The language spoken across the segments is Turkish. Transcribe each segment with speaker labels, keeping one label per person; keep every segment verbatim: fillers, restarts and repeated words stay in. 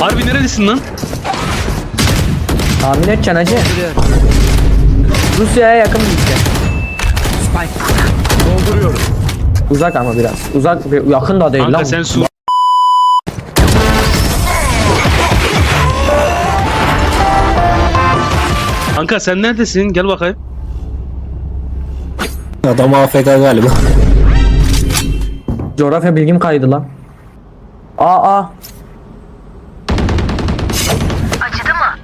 Speaker 1: Harbi neredesin lan?
Speaker 2: Tahmin edeceksin hacı. Rusya'ya yakın bir ülke.
Speaker 3: Dolduruyorum.
Speaker 2: Uzak ama biraz. Uzak, yakın da değil
Speaker 1: Kanka
Speaker 2: lan.
Speaker 1: sen su. Kanka sen neredesin? Gel bakayım.
Speaker 4: Adam A F K galiba.
Speaker 2: Coğrafya bilgim kaydı lan. Aa aa.
Speaker 5: Acıdı mı?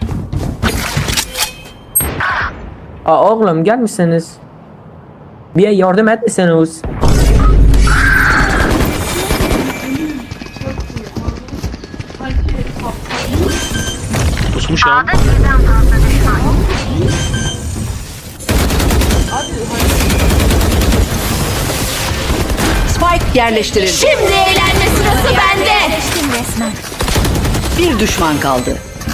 Speaker 2: Aa oğlum gelmişsiniz. Bir yardım etmişsiniz.
Speaker 1: Kusmuş ya.
Speaker 5: A'da birden fazla düşman.
Speaker 6: Spike yerleştirildi.
Speaker 5: Şimdi eğlenme sırası bende. Yerleştim resmen.
Speaker 6: Bir düşman kaldı.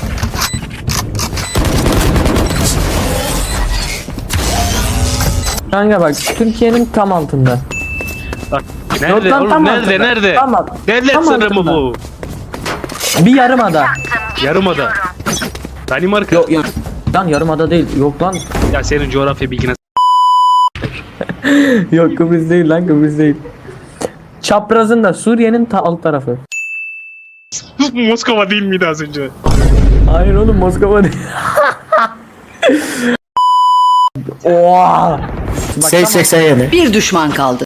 Speaker 2: Kanka bak Türkiye'nin tam altında.
Speaker 1: Bak,
Speaker 2: Yok
Speaker 1: nerede
Speaker 2: lan,
Speaker 1: oğlum?
Speaker 2: tam
Speaker 1: Nerede?
Speaker 2: altında.
Speaker 1: Nerede?
Speaker 2: Tamam.
Speaker 1: Devlet
Speaker 2: Tam
Speaker 1: sırrı mı
Speaker 2: altında.
Speaker 1: bu?
Speaker 2: Bir yarımada.
Speaker 1: Yarımada. Danimarka.
Speaker 2: Yok yok. Lan yarımada değil. Yok lan.
Speaker 1: Ya senin coğrafya bilgine.
Speaker 2: Yok Kıbrıs değil lan Kıbrıs değil. Çaprazın da Suriye'nin ta alt tarafı.
Speaker 1: Moskova değil miydi az önce?
Speaker 2: Hayır oğlum Moskova değil. Oha. Bak,
Speaker 4: sekiz seksen yedi.
Speaker 6: Bir düşman kaldı.